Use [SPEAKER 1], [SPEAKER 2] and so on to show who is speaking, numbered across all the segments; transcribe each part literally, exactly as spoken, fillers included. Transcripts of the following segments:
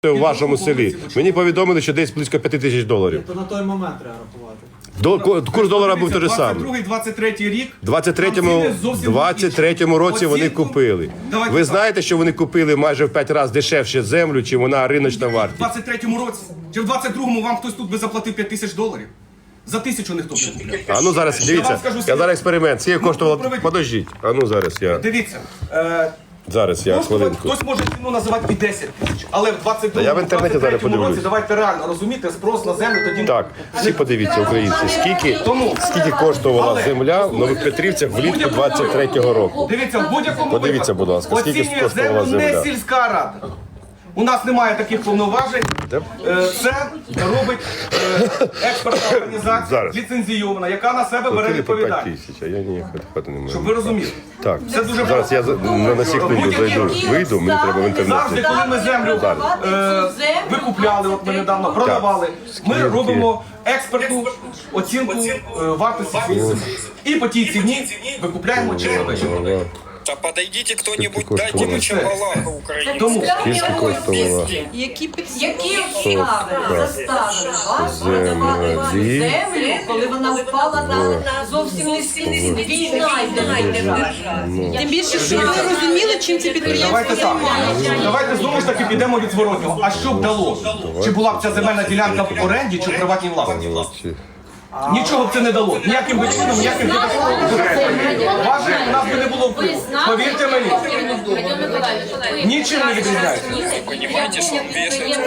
[SPEAKER 1] в вашому селі. Мені повідомили, що десь близько п'яти тисяч доларів.
[SPEAKER 2] То на той момент треба рахувати.
[SPEAKER 1] До, курс долара був той же самий.
[SPEAKER 3] двадцять другий двадцять третій рік.
[SPEAKER 1] У двадцять третьому році вони купили. Ви знаєте, що вони купили майже в п'ять разів дешевше землю, чим вона риночна
[SPEAKER 3] В
[SPEAKER 1] вартість?
[SPEAKER 3] двадцять третьому році. Чи в двадцять другому вам хтось тут би заплатив п'ять тисяч доларів? За тисячу ніхто б не купив.
[SPEAKER 1] А ну зараз, дивіться, я зараз експеримент. Скільки коштувало? Подождіть. А ну зараз я.
[SPEAKER 3] Дивіться. Е,
[SPEAKER 1] Зараз я
[SPEAKER 3] коштувати-
[SPEAKER 1] хвилинку.
[SPEAKER 3] Хтось може ціну називати і десять тисяч. Але в двадцять другому,
[SPEAKER 1] я в інтернеті зараз
[SPEAKER 3] двадцять третьому році
[SPEAKER 1] подивлюсь.
[SPEAKER 3] давайте реально розуміти спрос на землю тоді.
[SPEAKER 1] Так, всі подивіться, українці, скільки, скільки коштувала земля в Нових Петрівцях влітку двадцять третього року.
[SPEAKER 3] Дивіться, в будь-якому
[SPEAKER 1] Подивіться,
[SPEAKER 3] випадку
[SPEAKER 1] будь ласка, скільки
[SPEAKER 3] оцінює
[SPEAKER 1] коштувала
[SPEAKER 3] землю не
[SPEAKER 1] земля.
[SPEAKER 3] сільська рада. У нас немає таких повноважень.
[SPEAKER 1] Де?
[SPEAKER 3] Е, Це робить е, експертна організація,
[SPEAKER 1] Зараз.
[SPEAKER 3] ліцензійована, яка на себе бере
[SPEAKER 1] Платили по п'ять
[SPEAKER 3] відповідальність.
[SPEAKER 1] тисяч, а я ні, хати не
[SPEAKER 3] Щоб
[SPEAKER 1] можу.
[SPEAKER 3] ви розуміли.
[SPEAKER 1] Так,
[SPEAKER 3] Це дуже
[SPEAKER 1] зараз я за- на, на секунду зайду, вийду, мені треба в
[SPEAKER 3] Завжди,
[SPEAKER 1] інтернеті.
[SPEAKER 3] коли ми землю е, викупляли, от ми недавно продавали, ми робимо експертну оцінку е, вартості цієї землі. І по тій ціні викупляємо чи продаємо.
[SPEAKER 4] Да подойдите кто-нибудь,
[SPEAKER 1] Сколько
[SPEAKER 4] дайте
[SPEAKER 1] коштовало?
[SPEAKER 4] мне чабалаха Украине.
[SPEAKER 3] Тому
[SPEAKER 1] Скільки коштувала
[SPEAKER 5] Які підстави заставили вас продавати
[SPEAKER 1] землі
[SPEAKER 5] землю, коли вона впала на зовсім низькі ціни? Війна йде. Тим більше, що ви розуміли, чим ці підприємства
[SPEAKER 3] давайте так.
[SPEAKER 5] займаються.
[SPEAKER 3] Давайте знову ж таки підемо від зворотнього. А що б дало? Чи була б ця земельна ділянка в оренді, чи в приватній власності? Нічого б це не дало. Ніяким би чином, ніяким підставом. Ваше у нас би не було впливу. Повірте мені. Нічим не відрізняється.
[SPEAKER 4] Понимаете, что он вешает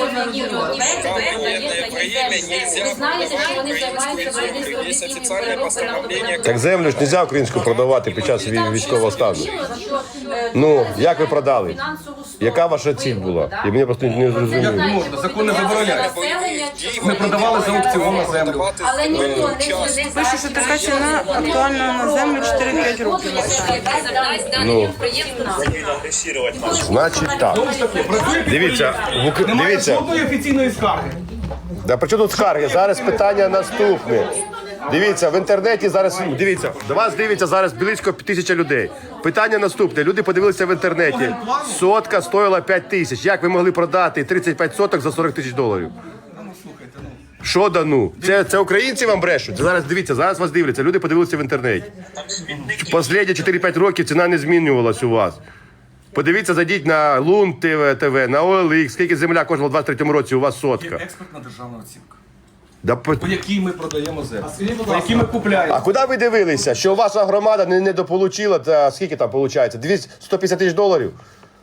[SPEAKER 6] Ви знаєте, що вони займаються виробництвом
[SPEAKER 4] Есть
[SPEAKER 6] літіївої
[SPEAKER 4] официальное
[SPEAKER 6] переробки
[SPEAKER 4] постановление.
[SPEAKER 1] Так землю ж не можна українську продавати під час вій- військового стану. Ну, як ви продали? Яка ваша ціль була? І мені просто не зрозуміло.
[SPEAKER 3] Не можна, закон не забороняє. Ми продавали за аукціон на землю.
[SPEAKER 6] Але ніхто не
[SPEAKER 5] Пише, що така ціна актуальна на землю чотири-п'ять років.
[SPEAKER 1] Ну, значить так.
[SPEAKER 3] Знову ж таки, працює
[SPEAKER 1] Дивіться, в Ук-
[SPEAKER 3] Немає
[SPEAKER 1] дивіться.
[SPEAKER 3] жодної офіційної скарги.
[SPEAKER 1] Да при чому тут скарги? Зараз питання наступне. Дивіться, в інтернеті зараз, дивіться, до вас дивиться зараз близько тисяча людей. Питання наступне. Люди подивилися в інтернеті. Сотка стоїла п'ять тисяч. Як ви могли продати тридцять п'ять соток за сорок тисяч доларів? Що да ну? Це, це українці вам брешуть? Зараз дивіться, зараз вас дивляться. Люди подивилися в інтернеті. Останні чотири-п'ять років ціна не змінювалась у вас. Подивіться, зайдіть на Лун ТВ, на О Л Ікс, скільки земля коштувала в двадцять третьому році, у вас сотка.
[SPEAKER 3] Експертна державна оцінка,
[SPEAKER 1] Да, по...
[SPEAKER 3] по якій ми продаємо землю,
[SPEAKER 2] скажіть, будь
[SPEAKER 3] по
[SPEAKER 2] ласка,
[SPEAKER 3] якій ми купляємо.
[SPEAKER 1] А куди ви дивилися, що ваша громада не недополучила, та скільки там виходить? двісті сто п'ятдесят тисяч доларів?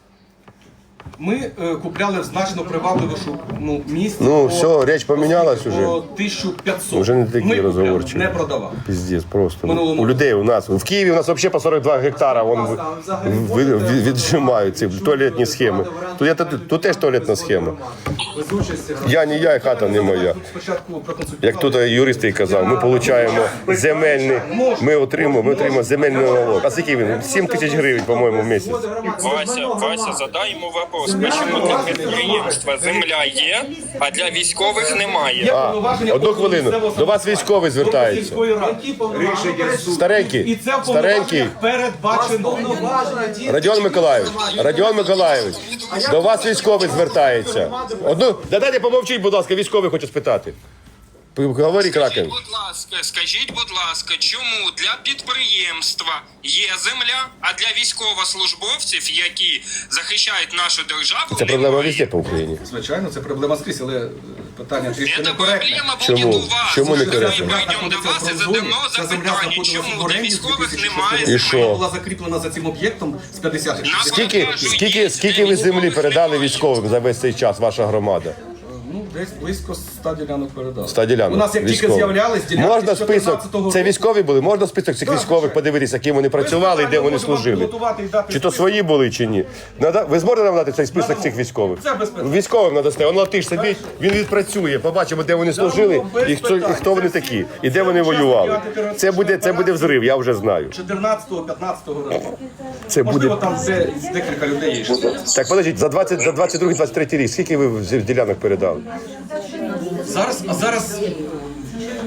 [SPEAKER 3] Ми е, купляли в значно привабливішу ну, місце.
[SPEAKER 1] Ну,
[SPEAKER 3] по-
[SPEAKER 1] все, річ помінялась
[SPEAKER 3] по
[SPEAKER 1] уже.
[SPEAKER 3] тисячу п'ятсот.
[SPEAKER 1] Вже не такі
[SPEAKER 3] Ми купляли,
[SPEAKER 1] розговорчиві.
[SPEAKER 3] не продавали.
[SPEAKER 1] Піздець, просто.
[SPEAKER 3] Минулому
[SPEAKER 1] У людей у нас. В Києві у нас взагалі по сорок два гектара вон, ви- ви- ви- віджимають ці туалетні схеми. Тут, є- тут, тут теж туалетна схема.
[SPEAKER 2] без участі
[SPEAKER 1] Я не я, і хата не моя.
[SPEAKER 3] Тут спочатку проконсультували.
[SPEAKER 1] Як тут юрист і казав, ми отримуємо земельний, ми отримуємо, ми отримуємо земельний налог. А скільки він? сім тисяч гривень, по-моєму, в місяць.
[SPEAKER 4] Вася, Вася, задай ему вопрос, почему для підприємства земля є, а для військових немає.
[SPEAKER 1] А,
[SPEAKER 3] повноваження
[SPEAKER 1] одну
[SPEAKER 3] органу
[SPEAKER 1] хвилину.
[SPEAKER 3] місцевого
[SPEAKER 1] До вас військовий звертається.
[SPEAKER 3] сільської ради. І
[SPEAKER 1] Старенький,
[SPEAKER 3] це в
[SPEAKER 1] старенький.
[SPEAKER 3] повноваженнях передбачено.
[SPEAKER 1] Радіон Миколаївич, Радіон Миколаївич, до вас військовий звертається. Одну, да дайте помовчіть, будь ласка, військовий хочу спитати. Говори, Кракен.
[SPEAKER 4] Будь ласка, скажіть, будь ласка, чому для підприємства є земля, а для військовослужбовців, які захищають нашу державу,
[SPEAKER 1] Це проблема
[SPEAKER 4] немає?
[SPEAKER 1] везде по Україні.
[SPEAKER 3] Звичайно, це проблема скрізь, але е, питання трішки
[SPEAKER 4] Це
[SPEAKER 3] некоректне.
[SPEAKER 4] проблема
[SPEAKER 1] Чому?
[SPEAKER 4] буде у вас.
[SPEAKER 1] Чому
[SPEAKER 4] Ми
[SPEAKER 1] некоректно?
[SPEAKER 4] прийдемо до вас і задамо
[SPEAKER 3] Ця земля
[SPEAKER 4] запитання,
[SPEAKER 3] знаходилася в
[SPEAKER 4] чому для
[SPEAKER 3] оренді з
[SPEAKER 4] військових
[SPEAKER 3] дві тисячі шостого
[SPEAKER 4] немає
[SPEAKER 3] року.
[SPEAKER 1] І
[SPEAKER 4] землі.
[SPEAKER 1] що?
[SPEAKER 3] Була закріплена за цим об'єктом з п'ятдесятих.
[SPEAKER 1] Скільки, скільки, скільки ви землі передали військовим за весь цей час, ваша громада?
[SPEAKER 3] Ну, десь близько ста ділянок передали.
[SPEAKER 1] ста ділянок.
[SPEAKER 3] У нас як тільки
[SPEAKER 1] Військових.
[SPEAKER 3] з'являлись ділянки
[SPEAKER 1] Можна
[SPEAKER 3] з
[SPEAKER 1] список,
[SPEAKER 3] чотирнадцятого року.
[SPEAKER 1] це військові були? Можна список цих військових подивитися, ким вони працювали і де вони служили? Чи то свої були, чи ні? Надо, ви зможете нам дати цей список цих військових?
[SPEAKER 3] Це без питань.
[SPEAKER 1] Військовим надасте, он латиш сидить, він відпрацює, побачимо, де вони служили і хто, і хто вони такі, і де вони воювали. Це буде, це буде взрив, я вже знаю.
[SPEAKER 3] чотирнадцятого-п'ятнадцятого року.
[SPEAKER 1] Це буде...
[SPEAKER 3] Можливо, там де, декілька людей є. ще.
[SPEAKER 1] Так, подождіть, за двадцять, за двадцять другий двадцять третій рік, скільки ви з- ділянок передали?
[SPEAKER 3] Зараз, а зараз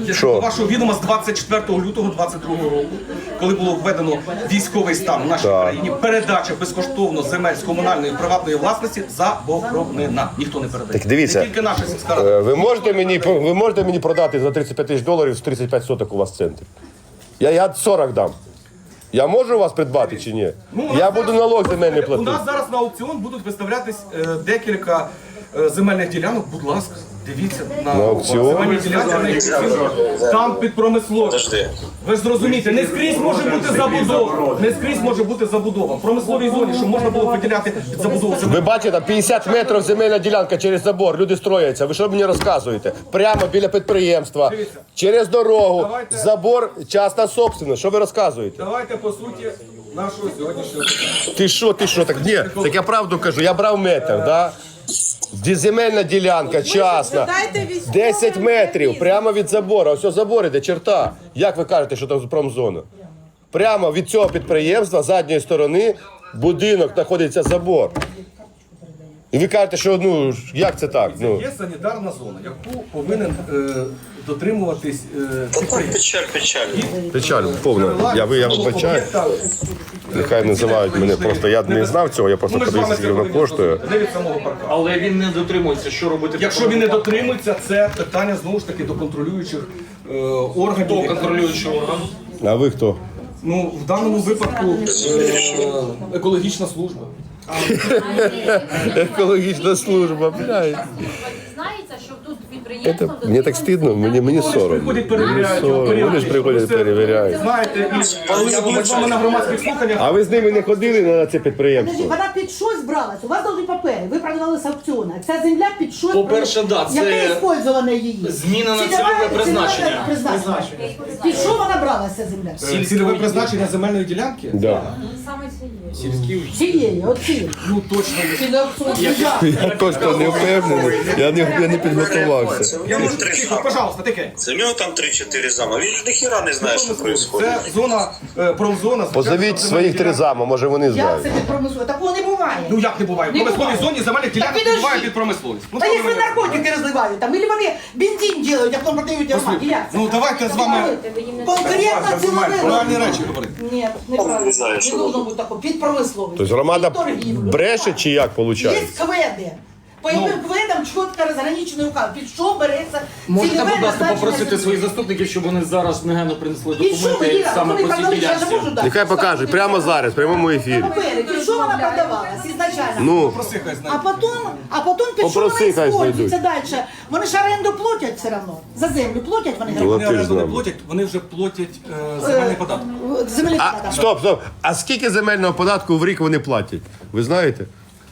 [SPEAKER 3] Якщо
[SPEAKER 1] Що?
[SPEAKER 3] до вашого відома з двадцять четвертого лютого двадцять другого року, коли було введено військовий стан у нашій
[SPEAKER 1] Так.
[SPEAKER 3] країні, передача безкоштовно земель з комунальної приватної власності заборонена. Ніхто не передає.
[SPEAKER 1] Так дивіться.
[SPEAKER 3] Не тільки наша сільська рада.
[SPEAKER 1] Е, Ви можете мені, ви можете мені продати за тридцять п'ять тисяч доларів з тридцять п'ять соток у вас в центрі? Я, я сорок дам. Я можу у вас придбати чи ні?
[SPEAKER 3] Ну, у
[SPEAKER 1] Я
[SPEAKER 3] нас
[SPEAKER 1] буду
[SPEAKER 3] зараз-
[SPEAKER 1] налог земельний
[SPEAKER 3] У
[SPEAKER 1] платити.
[SPEAKER 3] нас зараз на аукціон будуть виставлятись е, декілька е, земельних ділянок. Будь ласка, дивіться на,
[SPEAKER 1] На аукціон?
[SPEAKER 3] земельні ділянки. на аукціон. Там під промисловість. Ви ж зрозумієте, не скрізь може бути забудова. Не скрізь може бути забудова. В промисловій зоні, щоб можна було виділяти під забудову земель.
[SPEAKER 1] Ви бачите, п'ятдесят метрів земельна ділянка через забор, люди строяться. Ви що мені розказуєте? Прямо біля підприємства,
[SPEAKER 3] Дивіться.
[SPEAKER 1] через дорогу,
[SPEAKER 3] Давайте.
[SPEAKER 1] забор, частна собственность. Що ви розказуєте?
[SPEAKER 3] Давайте по суті нашого сьогоднішнього питання.
[SPEAKER 1] Ти що, ти що? Так ні, так я правду кажу, я брав метр, да? Ді- Земельна ділянка, частна, десять метрів, прямо від забору. Ось забор іде, черта. Як ви кажете, що там промзона? Прямо від цього підприємства, з задньої сторони, будинок знаходиться забор. І ви кажете, що ну, як це так? Ну,
[SPEAKER 3] Є санітарна зона, яку повинен е, дотримуватись е, підприємство.
[SPEAKER 4] Печаль, печаль.
[SPEAKER 1] печаль повна. Я, ви- я вибачаю. Нехай називають мене, просто я не знав цього, я просто
[SPEAKER 3] Ну, ми ж з вами
[SPEAKER 1] подивився, скільки воно
[SPEAKER 3] це повинні
[SPEAKER 1] коштує.
[SPEAKER 3] зробити, не від самого парка.
[SPEAKER 7] Але він не дотримується, що робити? в
[SPEAKER 3] Якщо
[SPEAKER 7] такому
[SPEAKER 3] він не
[SPEAKER 7] випадку?
[SPEAKER 3] дотримується, це питання знову ж таки до контролюючих е, органів.
[SPEAKER 7] Хто контролюючий орган?
[SPEAKER 1] А ви хто?
[SPEAKER 3] Ну, в даному випадку е, екологічна служба.
[SPEAKER 1] Екологічна служба, блядь.
[SPEAKER 6] Знається, що тут
[SPEAKER 1] Это,
[SPEAKER 6] підприємство...
[SPEAKER 1] мені так стидно, мені, мені соромно.
[SPEAKER 3] Приходять, перевіряють. його,
[SPEAKER 1] Соромно. Вони ж приходять,
[SPEAKER 3] Це,
[SPEAKER 1] перевіряють.
[SPEAKER 3] Знаєте, і коли я були з вами на громадських слуханнях,
[SPEAKER 1] А ви з ними не ходили на це підприємство?
[SPEAKER 8] Вона під щось бралась, у вас должні папери, ви продавали з аукціону. Ця земля під щось...
[SPEAKER 7] По-перше, да, це
[SPEAKER 8] Яке використовування її?
[SPEAKER 7] зміна на
[SPEAKER 8] Цільове-
[SPEAKER 7] цільове призначення.
[SPEAKER 8] цільове призначення. Під що вона бралася земля?
[SPEAKER 3] е, цільове призначення земельної ділянки,
[SPEAKER 1] Да.
[SPEAKER 6] Саме цієї.
[SPEAKER 8] Цієї, оці.
[SPEAKER 3] ну точно не.
[SPEAKER 8] Ці на аукціоні.
[SPEAKER 1] Я точно не впевнений, я не, я не підготувався.
[SPEAKER 3] Я можу тихо, пожалуйста, таке.
[SPEAKER 9] У нього там три-чотири зама. Він ж ніхіра не знає, що відбувається.
[SPEAKER 3] Це зона, е, промзона.
[SPEAKER 1] Позовіть своїх три зама, може вони
[SPEAKER 8] Як
[SPEAKER 1] знають.
[SPEAKER 8] це під промисловою? Такого не буває.
[SPEAKER 3] Ну як не буває? В промисловій зоні земельних ділянок
[SPEAKER 8] підожди.
[SPEAKER 3] буває під промисловість. Ну,
[SPEAKER 8] Та
[SPEAKER 3] що
[SPEAKER 8] якщо
[SPEAKER 3] ви мене-
[SPEAKER 8] наркотики розливають, там, або вони бензин делають, а потім продають громаді. Як це?
[SPEAKER 3] Ну давайте з вами
[SPEAKER 8] Конкретно цілове.
[SPEAKER 3] правильні речі говорити.
[SPEAKER 8] Ні, неправильно. Не должно бути такого. Під промисловою.
[SPEAKER 1] Тобто громада
[SPEAKER 8] Під торгівлю.
[SPEAKER 1] бреше чи як
[SPEAKER 8] Є
[SPEAKER 1] виходить?
[SPEAKER 8] кведи. По яким кведам чітко розграничений указ. Під що береться
[SPEAKER 7] Можете,
[SPEAKER 8] цільове
[SPEAKER 7] будь ласка,
[SPEAKER 8] назначення
[SPEAKER 7] попросити
[SPEAKER 8] землі?
[SPEAKER 7] своїх заступників, щоб вони зараз негайно принесли
[SPEAKER 8] Під що ви,
[SPEAKER 7] документи
[SPEAKER 8] Іра?
[SPEAKER 7] саме
[SPEAKER 8] Коли
[SPEAKER 7] по цій
[SPEAKER 8] продали, я ж
[SPEAKER 7] ділянці.
[SPEAKER 8] можу дати.
[SPEAKER 1] Нехай покажуть, прямо зараз, в прямому ефірі.
[SPEAKER 8] Папери, під що вона продавалась ізначально?
[SPEAKER 1] Ну,
[SPEAKER 3] Проси, хай
[SPEAKER 8] А
[SPEAKER 3] знає.
[SPEAKER 8] потім, а потім під що
[SPEAKER 1] Попроси,
[SPEAKER 8] вона
[SPEAKER 1] хай
[SPEAKER 8] использується далі? Вони ж оренду платять все одно. За землю платять вони гроші.
[SPEAKER 3] Вони
[SPEAKER 1] Платиш
[SPEAKER 3] оренду не
[SPEAKER 1] з нами.
[SPEAKER 3] платять, вони вже платять е, земельний податок.
[SPEAKER 8] Землі
[SPEAKER 1] а, стоп, стоп. А скільки земельного податку в рік вони платять? Ви знаєте?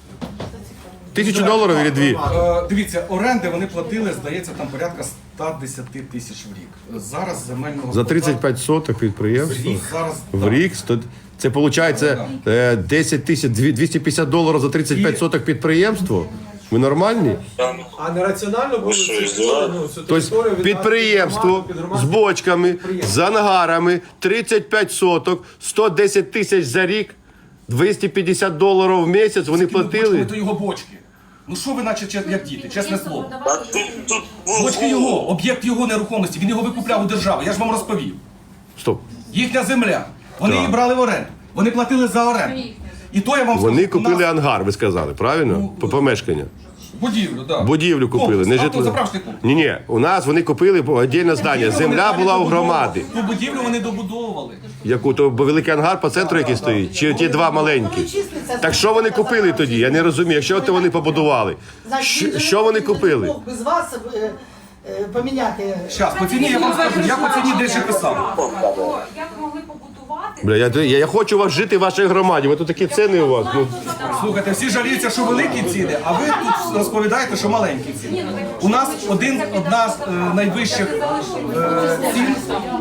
[SPEAKER 1] Тисячу доларів чи дві?
[SPEAKER 3] Е, Дивіться, оренди вони платили, здається, там порядка ста десяти тисяч в рік. Зараз земельного
[SPEAKER 1] За тридцять п'ять соток підприємство?
[SPEAKER 3] податку- зараз
[SPEAKER 1] В
[SPEAKER 3] так.
[SPEAKER 1] рік сто- це виходить е, десять тисяч, дві- двісті п'ятдесят доларів за тридцять п'ять соток підприємство? Ви нормальні?
[SPEAKER 2] А не раціонально було
[SPEAKER 9] що,
[SPEAKER 2] цю
[SPEAKER 9] здивали?
[SPEAKER 2] ну, цю
[SPEAKER 1] Тобто
[SPEAKER 2] територію віддати
[SPEAKER 1] підприємство
[SPEAKER 2] під
[SPEAKER 1] з
[SPEAKER 2] громадське
[SPEAKER 1] бочками, з ангарами, тридцять п'ять соток, сто десять тисяч за рік, двісті п'ятдесят доларів в місяць вони
[SPEAKER 3] Бочками
[SPEAKER 1] платили.
[SPEAKER 3] то його бочки. Ну що ви наче чес- як діти, чесне слово.
[SPEAKER 9] А тут, тут був
[SPEAKER 3] Бочки його, об'єкт його нерухомості, він його викупляв у держави, я ж вам розповів.
[SPEAKER 1] Стоп.
[SPEAKER 3] Їхня земля, вони
[SPEAKER 1] Так.
[SPEAKER 3] її брали в оренду, вони платили за оренду. І то я вам
[SPEAKER 1] Вони
[SPEAKER 3] скажу, у
[SPEAKER 1] купили
[SPEAKER 3] нас
[SPEAKER 1] ангар, ви сказали, правильно? По помешкання.
[SPEAKER 3] будівлю, да.
[SPEAKER 1] Будівлю купили, не
[SPEAKER 3] Комплекс,
[SPEAKER 1] житло.
[SPEAKER 3] автозаправочний комплекс.
[SPEAKER 1] Ні, ні, у нас вони купили віддільне здання.
[SPEAKER 3] Будівлю вони
[SPEAKER 1] Земля
[SPEAKER 3] самі
[SPEAKER 1] була у
[SPEAKER 3] добудовували.
[SPEAKER 1] громади.
[SPEAKER 3] Ту будівлю вони добудовували.
[SPEAKER 1] Яку то бо великий ангар по центру, який стоїть, чи ті два маленькі. Так що вони купили тоді? Я не розумію. Якщо то вони побудували, що, що вони купили?
[SPEAKER 8] Без вас е, е, поміняти.
[SPEAKER 3] Зараз, по ціні я вам скажу, я по ціні дещо писав.
[SPEAKER 5] Як могли побудувати?
[SPEAKER 1] Бля, я, я, я хочу вас жити в вашій громаді. Ви тут такі ціни у вас. Ну,
[SPEAKER 3] Слухайте, всі жаліються, що великі ціни, а ви тут розповідаєте, що маленькі ціни. У нас один, одна з е, найвищих е, цін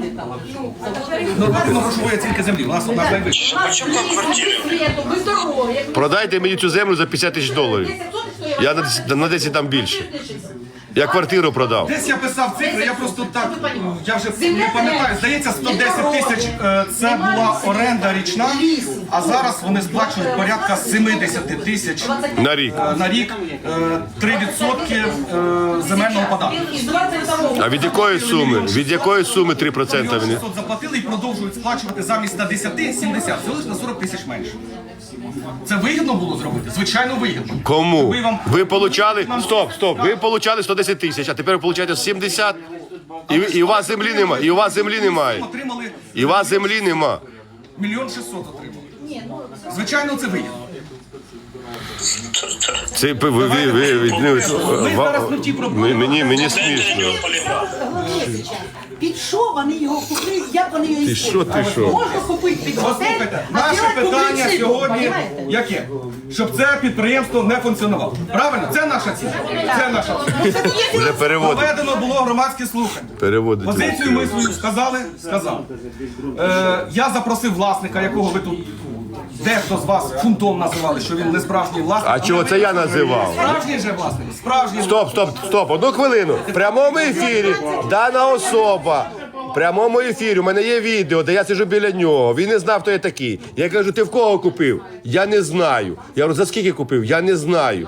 [SPEAKER 3] нормативно-грошової оцінки землі. У нас одна з найвищих.
[SPEAKER 5] Без світу, без дороги.
[SPEAKER 1] продайте мені цю землю за п'ятдесят тисяч доларів. Я на, десять- на десять там більше. Я квартиру продав.
[SPEAKER 3] Десь я писав цифри, я просто так, я вже не пам'ятаю, здається, сто десять тисяч е, це була оренда річна, а зараз вони сплачують порядка сімдесят тисяч
[SPEAKER 1] На рік.
[SPEAKER 3] е, на рік, е, три відсотки е, земельного податку.
[SPEAKER 8] Із двадцять второго.
[SPEAKER 1] А від якої суми? Від якої суми три проценти
[SPEAKER 3] Мільйон
[SPEAKER 1] вони?
[SPEAKER 3] шістсот заплатили і продовжують сплачувати замість ста десяти – сімдесят. Це лише на сорок тисяч менше. Це вигідно було зробити? Звичайно, вигідно.
[SPEAKER 1] Кому?
[SPEAKER 3] Ви вам-
[SPEAKER 1] Ви получали. Стоп, стоп. Ви получали сто десять тисяч, а тепер ви получаєте сімдесят. І, і у вас землі нема. І у вас землі немає.
[SPEAKER 3] Отримали
[SPEAKER 1] І у вас землі нема.
[SPEAKER 3] мільйон шістсот отримали. Звичайно, це вигідно.
[SPEAKER 1] Це ви, ви, ви, ви, ви, ну,
[SPEAKER 3] Ми
[SPEAKER 1] ва-
[SPEAKER 3] зараз не в тій проблемі.
[SPEAKER 1] мені, мені смішно.
[SPEAKER 8] Під що вони його купили? Як вони його
[SPEAKER 1] Ти що, ти що?
[SPEAKER 8] Можна купити під готель,
[SPEAKER 3] Послухайте,
[SPEAKER 8] а
[SPEAKER 3] наше
[SPEAKER 8] зробити
[SPEAKER 3] питання
[SPEAKER 8] публіцистику,
[SPEAKER 3] сьогодні
[SPEAKER 8] понімаєте?
[SPEAKER 3] яке? Щоб це підприємство не функціонувало. Правильно? Це наша ціль. Це наша ціль.
[SPEAKER 1] Вже переводить.
[SPEAKER 3] Проведено було громадське слухання.
[SPEAKER 1] Переводить.
[SPEAKER 3] Позицію ми свою сказали? Сказав. Е, я запросив власника, якого ви тут дехто з вас фунтом називали, що він не справжній власник.
[SPEAKER 1] А чого це я називав?
[SPEAKER 3] Справжній же власник. Справжній.
[SPEAKER 1] Стоп, стоп, стоп, одну хвилину. В прямому ефірі дана особа. В прямому ефірі у мене є відео, де я сиджу біля нього. Він не знав, хто я такий. Я кажу, ти в кого купив? Я не знаю. Я говорю, за скільки купив? Я не знаю.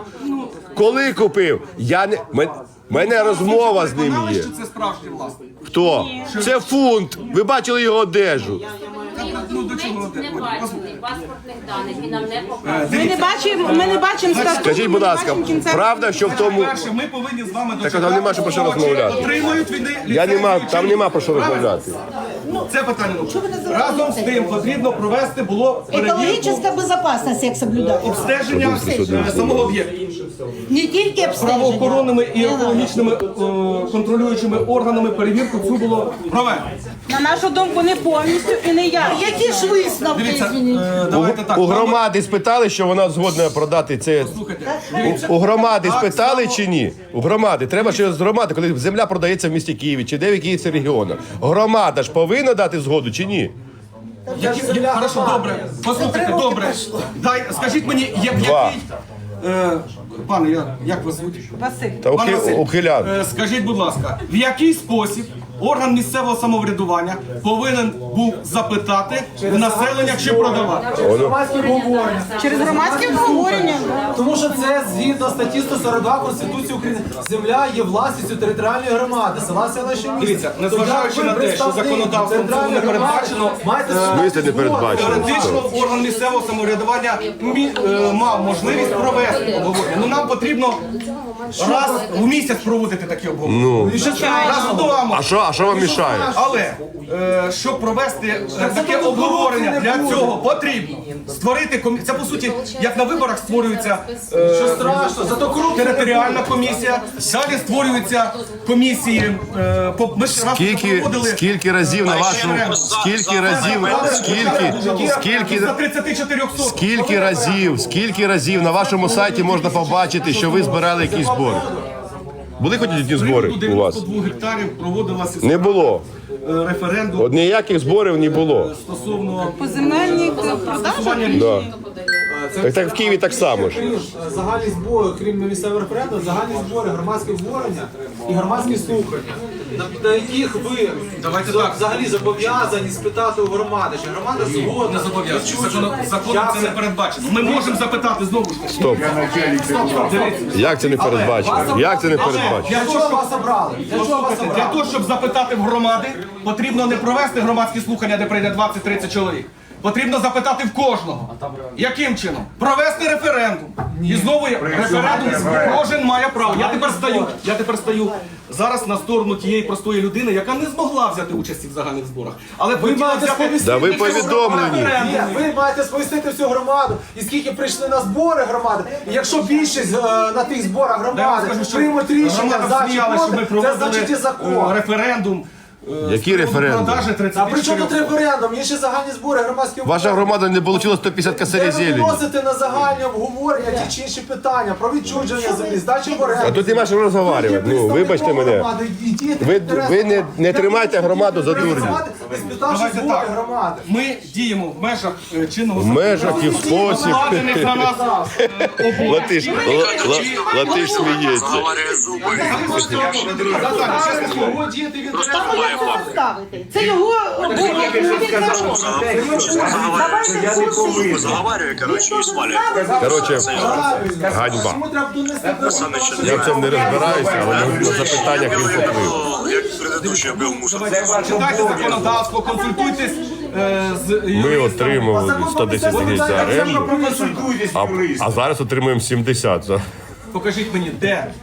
[SPEAKER 1] Коли купив? Я не. Мен- Мене розмова з ним
[SPEAKER 3] Переконали,
[SPEAKER 1] є.
[SPEAKER 3] що це справжній власник.
[SPEAKER 1] Хто? Це фунт. Ви бачили його одежу.
[SPEAKER 3] Ну до чого?
[SPEAKER 6] Не бачили паспортних даних і нам не
[SPEAKER 3] Е,
[SPEAKER 6] показують.
[SPEAKER 8] Ми не
[SPEAKER 3] Дивіться.
[SPEAKER 8] бачимо, ми не бачимо статуту.
[SPEAKER 1] Скажіть, будь ласка, правда, що в тому.
[SPEAKER 3] Перше, ми повинні з вами
[SPEAKER 1] Так, а там нема що про що розмовляти.
[SPEAKER 3] Отримують вони
[SPEAKER 1] Я нема,
[SPEAKER 3] ліцензію чи
[SPEAKER 1] там
[SPEAKER 3] ні?
[SPEAKER 1] нема про що
[SPEAKER 3] Правильно?
[SPEAKER 1] розмовляти.
[SPEAKER 3] Це питання. Разом з тим потрібно провести було перевірку
[SPEAKER 8] Екологічна безпечність, як соблюдати.
[SPEAKER 3] обстеження е, самого об'єкту.
[SPEAKER 8] Не тільки обстеження.
[SPEAKER 3] Правоохоронними і екологічними е, контролюючими органами перевірку цю було проведено.
[SPEAKER 8] На нашу думку, не повністю і не я. Які ж висновки,
[SPEAKER 3] Дивіться,
[SPEAKER 8] извиніть?
[SPEAKER 3] е, давайте так.
[SPEAKER 1] У громади спитали, що вона згодна продати це.
[SPEAKER 3] Слухайте,
[SPEAKER 1] У, у громади спитали чи ні? У громади. Треба ще з громади, коли земля продається в місті Києві чи де в якихось регіонах. Громада ж повинна дати згоду чи ні?
[SPEAKER 3] які, я, хорошо, добре. Послухайте, добре. Дай, скажіть мені, я,
[SPEAKER 1] Два.
[SPEAKER 3] який... Е, пане, я, як вас звуть?
[SPEAKER 8] Василь.
[SPEAKER 1] Та
[SPEAKER 3] Пане Василь,
[SPEAKER 1] ухилян.
[SPEAKER 3] е, скажіть, будь ласка, в який спосіб орган місцевого самоврядування повинен був запитати в населення, чи продавати?
[SPEAKER 2] Громадське обговорення.
[SPEAKER 8] Через громадське обговорення.
[SPEAKER 2] Тому що це згідно статті сто сорок два Конституції України. Земля є власністю територіальної громади, села, селища, міста.
[SPEAKER 3] Дивіться, незважаючи на те, що законодавством цього не передбачено,
[SPEAKER 2] маєте
[SPEAKER 1] В смислі не передбачено?
[SPEAKER 3] теоретично орган місцевого самоврядування мі- е, мав можливість провести обговорення. Ну нам потрібно раз в місяць проводити такі обговорення.
[SPEAKER 1] Ну.
[SPEAKER 3] Раз в два
[SPEAKER 1] А що, а що вам мішає?
[SPEAKER 3] Але е, щоб провести е, таке обговорення для цього потрібно створити комісію. Це по суті, як на виборах створюється е,
[SPEAKER 2] Що страшно, зато корупція.
[SPEAKER 3] територіальна комісія, далі створюються комісії. Е, по- ми ж раз
[SPEAKER 1] Скільки,
[SPEAKER 3] проводили
[SPEAKER 1] скільки разів на вашому, скільки разів, скільки, скільки,
[SPEAKER 3] за тридцять чотири соток.
[SPEAKER 1] скільки разів, скільки разів на вашому сайті можна побачити, що ви збирали якісь збори? Були хоч одні збори у вас?
[SPEAKER 3] дев'яносто два гектарів проводилася
[SPEAKER 1] Не було.
[SPEAKER 3] е, референдум
[SPEAKER 1] От ніяких зборів не було.
[SPEAKER 3] стосовно
[SPEAKER 8] По земельних продажах.
[SPEAKER 1] Да. Так, так в Києві так само ж.
[SPEAKER 2] Крім е, загальні збори, крім місцевого референдуму, загальні збори, громадські обговорення і громадські слухання, на, на яких ви
[SPEAKER 3] Давайте
[SPEAKER 2] за-
[SPEAKER 3] так.
[SPEAKER 2] взагалі зобов'язані спитати у громади, чи громада згодна.
[SPEAKER 3] не зобов'язані.
[SPEAKER 2] відчуження.
[SPEAKER 3] Законом, законом
[SPEAKER 2] Як
[SPEAKER 3] це не передбачено. Ми можемо запитати знову ж таки.
[SPEAKER 1] Стоп. Як це не передбачено? Як це не передбачено?
[SPEAKER 2] Для чого вас обрали? Для чого вас
[SPEAKER 3] Для
[SPEAKER 2] обрали?
[SPEAKER 3] того, щоб запитати в громади, потрібно не провести громадські слухання, де прийде двадцять-тридцять чоловік. Потрібно запитати в кожного. Яким чином? Провести референдум. І знову є референдум, кожен має право. Я тепер стою, я тепер стою зараз на сторону тієї простої людини, яка не змогла взяти участі в загальних зборах. Але
[SPEAKER 2] Ви
[SPEAKER 3] хотіла
[SPEAKER 2] маєте
[SPEAKER 3] взяти
[SPEAKER 2] сповістити
[SPEAKER 1] Да ви
[SPEAKER 2] всю
[SPEAKER 1] повідомлені.
[SPEAKER 2] громаду. Ні, ви маєте сповістити всю громаду. І скільки прийшли на збори громади. І якщо більшість е, на тих зборах
[SPEAKER 3] Я вам
[SPEAKER 2] громади
[SPEAKER 3] скажу, що
[SPEAKER 2] приймуть рішення
[SPEAKER 3] громада
[SPEAKER 2] за чи
[SPEAKER 3] сміялась, що ми
[SPEAKER 2] проти, це
[SPEAKER 3] проводили
[SPEAKER 2] значить і
[SPEAKER 3] е,
[SPEAKER 2] закон.
[SPEAKER 3] референдум. е,
[SPEAKER 1] Який
[SPEAKER 3] з приводу
[SPEAKER 1] референдум?
[SPEAKER 3] продажі
[SPEAKER 2] А
[SPEAKER 3] тридцять
[SPEAKER 2] при чому тут
[SPEAKER 3] чотири
[SPEAKER 2] референдум? Є ще загальні збори, громадські
[SPEAKER 1] Ваша громада не отримала сто п'ятдесят
[SPEAKER 2] Де
[SPEAKER 1] косарів
[SPEAKER 2] ви
[SPEAKER 1] зелені.
[SPEAKER 2] виносите на загальні обговорення ті чи інші питання про відчуження землі, здачі в оренду.
[SPEAKER 1] А тут нема що розговорювати. Ну, вибачте мене. Ви, ви не, не тримайте громаду за дурню.
[SPEAKER 2] Спитавши
[SPEAKER 3] Давайте
[SPEAKER 2] збори
[SPEAKER 3] так.
[SPEAKER 2] громади.
[SPEAKER 3] Ми діємо в межах е, чинного
[SPEAKER 1] В межах і в спосіб.
[SPEAKER 3] покладених на нас е, обов'язків.
[SPEAKER 1] Латиш, ла- ла- латиш сміється.
[SPEAKER 2] Його діяти в інтересах
[SPEAKER 9] немає
[SPEAKER 8] це
[SPEAKER 9] факту.
[SPEAKER 8] ставити. Це його
[SPEAKER 9] Заговарює, коротше, і свалює.
[SPEAKER 1] Коротше, ганьба.
[SPEAKER 2] Чому треба донести до
[SPEAKER 9] Саме що
[SPEAKER 1] Я в цьому не розбираюся, але на запитаннях він поплив.
[SPEAKER 9] як предыдущий був мусор.
[SPEAKER 3] Читайте законодавство, консультуйтесь е, з
[SPEAKER 1] Ми отримували сто десять гривень за оренду, а, а зараз отримуємо сімдесят за.
[SPEAKER 3] Покажіть мені, де, е,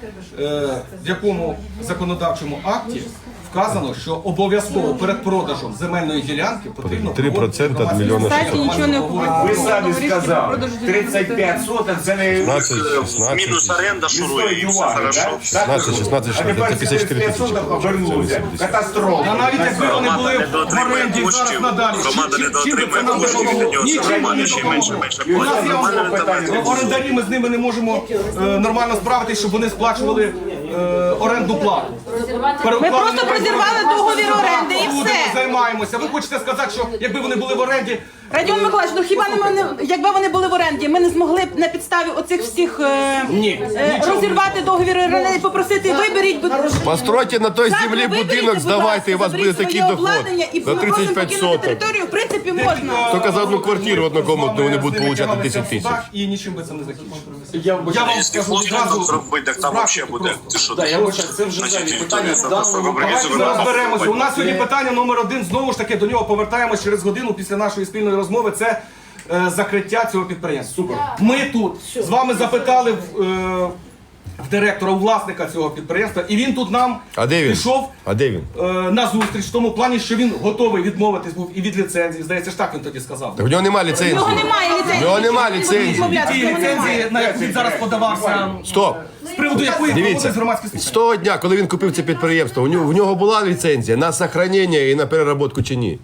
[SPEAKER 3] в якому законодавчому акті вказано, що обов'язково перед продажем земельної ділянки потрібно
[SPEAKER 1] три проценти від
[SPEAKER 3] проводити
[SPEAKER 1] мільйона
[SPEAKER 3] громадські
[SPEAKER 1] шістсот.
[SPEAKER 5] Нічого не
[SPEAKER 10] Ви самі сказали, тридцять п'ять соток це не
[SPEAKER 1] шістнадцять, шістнадцять,
[SPEAKER 9] Мінус оренда шурує, і все хорошо.
[SPEAKER 1] шістнадцять, шістнадцять,
[SPEAKER 10] А тепер
[SPEAKER 1] шістнадцять, п'ятдесят чотири тисячі.
[SPEAKER 10] соток обернулося. Катастрофа.
[SPEAKER 3] Та навіть якби вони були
[SPEAKER 9] Громада
[SPEAKER 3] в
[SPEAKER 9] недоотримує
[SPEAKER 3] оренді зараз
[SPEAKER 9] коштів,
[SPEAKER 3] надалі,
[SPEAKER 9] громада
[SPEAKER 3] чим- чим би це
[SPEAKER 9] недоотримує
[SPEAKER 3] нам
[SPEAKER 9] коштів, від
[SPEAKER 3] допомогло?
[SPEAKER 9] нього
[SPEAKER 3] Нічим
[SPEAKER 9] громада
[SPEAKER 3] не
[SPEAKER 9] ще менше
[SPEAKER 3] допомогло.
[SPEAKER 9] менше
[SPEAKER 3] У нас
[SPEAKER 9] платить.
[SPEAKER 3] є
[SPEAKER 9] Нормальна альтернатива.
[SPEAKER 3] орендарі, ми з ними не можемо е, нормально справитись, щоб вони сплачували е, орендну плату.
[SPEAKER 5] Ми просто прозірвали договір оренди і
[SPEAKER 3] Будемо,
[SPEAKER 5] все.
[SPEAKER 3] займаємося. Ви хочете сказати, що якби вони були в оренді,
[SPEAKER 5] Радіон Миколаївич, ну хіба не ми, якби вони були в оренді, ми не змогли б на підставі оцих всіх е,
[SPEAKER 3] Ні,
[SPEAKER 5] е,
[SPEAKER 3] нічого
[SPEAKER 5] розірвати договір оренди і попросити виберіть, будь
[SPEAKER 1] Постройте на той
[SPEAKER 5] Так,
[SPEAKER 1] землі
[SPEAKER 5] ви виберіть,
[SPEAKER 1] будинок,
[SPEAKER 5] будь
[SPEAKER 1] здавайте, і у вас
[SPEAKER 5] ласка,
[SPEAKER 1] буде
[SPEAKER 5] заберіть
[SPEAKER 1] такий
[SPEAKER 5] своє
[SPEAKER 1] доход.
[SPEAKER 5] обладнання і
[SPEAKER 1] За
[SPEAKER 5] ми просимо
[SPEAKER 1] тридцять п'ять
[SPEAKER 5] покинути
[SPEAKER 1] соток.
[SPEAKER 5] територію, в принципі, можна.
[SPEAKER 1] Тільки за одну квартиру однокомнатну вони будуть получати десять тисяч.
[SPEAKER 3] І нічим би це не закінчилося.
[SPEAKER 7] Я
[SPEAKER 3] Я вам
[SPEAKER 7] вибачаю,
[SPEAKER 9] Якщо
[SPEAKER 3] скажу
[SPEAKER 9] хлопці
[SPEAKER 3] відразу,
[SPEAKER 9] там зробити, так там взагалі буде. Ти що?
[SPEAKER 7] да, я вибачаю, це вже
[SPEAKER 9] Значить,
[SPEAKER 7] взагалі
[SPEAKER 9] територія
[SPEAKER 7] питання в
[SPEAKER 9] просто
[SPEAKER 7] даному
[SPEAKER 3] Давайте ми
[SPEAKER 9] організована.
[SPEAKER 3] розберемося. У нас сьогодні питання номер один. Знову ж таки, до нього повертаємось через годину після нашої спільної розмови. Це е, закриття цього підприємства. Супер. Ми тут з вами запитали в, е, в директора, у власника цього підприємства, і він тут нам
[SPEAKER 1] А де він?
[SPEAKER 3] пішов
[SPEAKER 1] А де він?
[SPEAKER 3] е, на зустріч в тому плані, що він готовий відмовитись був і від ліцензії. Здається ж так він тоді сказав.
[SPEAKER 1] Так у нього немає
[SPEAKER 5] У нього
[SPEAKER 1] ліцензії.
[SPEAKER 5] немає ліцензії.
[SPEAKER 1] У нього немає ліцензії.
[SPEAKER 5] Відмовлятися,
[SPEAKER 3] Ті
[SPEAKER 5] в нього немає.
[SPEAKER 3] ліцензії, на яку він зараз подавався,
[SPEAKER 1] Стоп.
[SPEAKER 3] з приводу якої
[SPEAKER 1] Дивіться,
[SPEAKER 3] проводились громадські слухання.
[SPEAKER 1] з того дня, коли він купив це підприємство, у нього, в нього була ліцензія на сохранення і на переработку чи ні?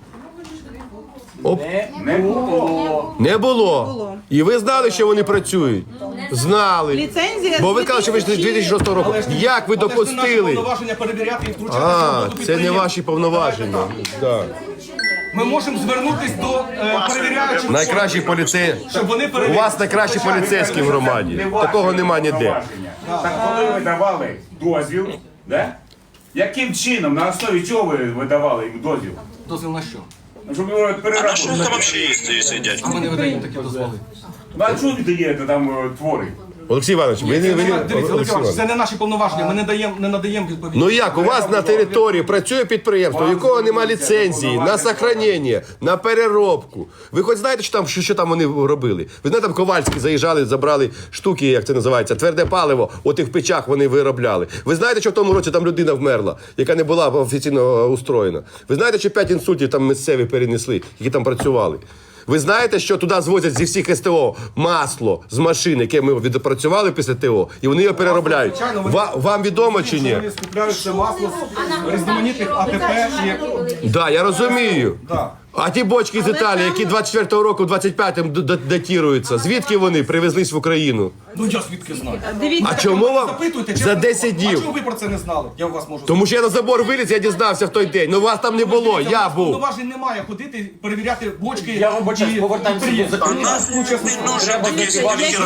[SPEAKER 1] Оп.
[SPEAKER 10] Не було.
[SPEAKER 1] Не було. І ви знали, що вони працюють? Знали.
[SPEAKER 5] Ліцензія
[SPEAKER 1] Бо ви
[SPEAKER 5] з
[SPEAKER 1] казали, що ви ж з дві тисячі шостого року.
[SPEAKER 3] Але ж-
[SPEAKER 1] Як ви
[SPEAKER 3] але ж це наші
[SPEAKER 1] допустили?
[SPEAKER 3] повноваження перевіряти і втручатися в
[SPEAKER 1] А,
[SPEAKER 3] роботу
[SPEAKER 1] це не
[SPEAKER 3] підприємств.
[SPEAKER 1] ваші повноваження. Да.
[SPEAKER 3] Ми можемо звернутися до е, перевіряючих
[SPEAKER 1] Найкращі
[SPEAKER 3] органів,
[SPEAKER 1] поліцеї.
[SPEAKER 3] щоб вони
[SPEAKER 1] У
[SPEAKER 3] перевірили.
[SPEAKER 1] вас найкращі поліцейські в громаді. Такого нема ніде.
[SPEAKER 10] Так коли ви давали дозвіл, да? Яким чином, на основі чого ви видавали їм дозвіл?
[SPEAKER 3] Дозвіл на що?
[SPEAKER 10] Ну, щоб його
[SPEAKER 9] А на що
[SPEAKER 10] переработати.
[SPEAKER 9] там взагалі є, сидять?
[SPEAKER 3] А ми не видаємо такі дозволи.
[SPEAKER 10] Ну, а чого ви даєте там е, твори?
[SPEAKER 1] Олексій Іванович, ви не ви-
[SPEAKER 3] Дивіться,
[SPEAKER 1] Олексій
[SPEAKER 3] Олексій Іванович,
[SPEAKER 1] Іванович.
[SPEAKER 3] це не наші повноваження, ми не даємо не надаємо відповіді.
[SPEAKER 1] Ну як, у вас на території працює підприємство, у якого немає ліцензії на сохранення, на переробку. Ви хоч знаєте, що там, що, що там вони робили? Ви знаєте, там Ковальські заїжджали, забрали штуки, як це називається, тверде паливо, от їх в печах вони виробляли. Ви знаєте, що в тому році там людина вмерла, яка не була офіційно устроєна? Ви знаєте, що п'ять інсультів там місцеві перенесли, які там працювали? Ви знаєте, що туди звозять зі всіх СТО масло з машин, яке ми відпрацювали після ТО, і вони його переробляють.
[SPEAKER 3] Звичайно, вони-
[SPEAKER 1] Ва- Вам відомо чи ні?
[SPEAKER 3] Вони скупляють це масло з різноманітних АТП і...
[SPEAKER 1] Да, я розумію.
[SPEAKER 3] Да.
[SPEAKER 1] А ті бочки з Італії, які двадцять четвертого року, двадцять п'ятим д- д- датіруються, звідки вони привезлись в Україну?
[SPEAKER 3] Ну я звідки знаю?
[SPEAKER 5] Дивіться.
[SPEAKER 1] А чому вам
[SPEAKER 3] Запитуйте,
[SPEAKER 1] за
[SPEAKER 3] чесно.
[SPEAKER 1] десять
[SPEAKER 3] А
[SPEAKER 1] днів?
[SPEAKER 3] чому ви про це не знали? Я у вас можу
[SPEAKER 1] Тому що я на забор виліз, я дізнався в той день. Ну вас там не було, я був.
[SPEAKER 3] Повноважень немає ходити, перевіряти бочки.
[SPEAKER 7] Я вибачаюсь,
[SPEAKER 3] і
[SPEAKER 7] повертаємося до
[SPEAKER 3] підприємства.
[SPEAKER 7] закону.
[SPEAKER 3] Нас, ну, чесно,
[SPEAKER 9] Не нужен такий сидіть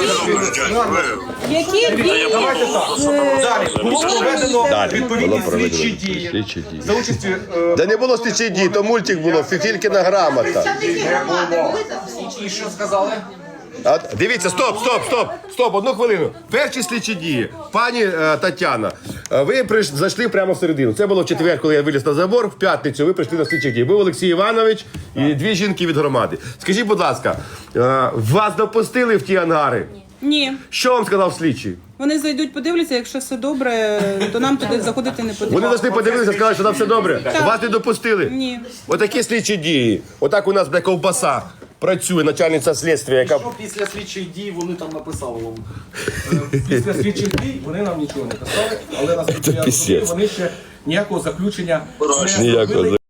[SPEAKER 5] Які дії?
[SPEAKER 3] Давайте так. Далі. Було проведено
[SPEAKER 1] Далі.
[SPEAKER 3] відповідні
[SPEAKER 1] Було проведено
[SPEAKER 3] слідчі дії.
[SPEAKER 1] слідчі дії.
[SPEAKER 3] За участі е,
[SPEAKER 1] Да не було слідчі дії, то мультик було, Фіфількіна грамота.
[SPEAKER 7] І що сказали?
[SPEAKER 1] А, дивіться, стоп, стоп, стоп, стоп, одну хвилину. Перші слідчі дії. Пані е, Тетяна, е, ви прийш, зайшли прямо всередину. Це було в четвер, коли я виліз на забор. В п'ятницю ви прийшли на слідчі дії. Був Олексій Іванович і дві жінки від громади. Скажіть, будь ласка, е, вас допустили в ті ангари?
[SPEAKER 5] Ні.
[SPEAKER 1] Що вам сказав слідчий?
[SPEAKER 5] Вони зайдуть, подивляться, якщо все добре, то нам туди заходити не потрібно.
[SPEAKER 1] Вони зайшли, подивилися, сказали, що там все добре. Вас не допустили?
[SPEAKER 5] Ні.
[SPEAKER 1] Отакі слідчі дії. Отак у нас бля, ковбаса працює, начальниця слідства, яка...
[SPEAKER 7] Що після слідчих дій вони там написали вам?
[SPEAKER 3] після слідчих дій вони нам нічого не писали, але наскільки я розумію,
[SPEAKER 1] пісець.
[SPEAKER 3] вони ще ніякого заключення не
[SPEAKER 1] Ніякого
[SPEAKER 3] зробили.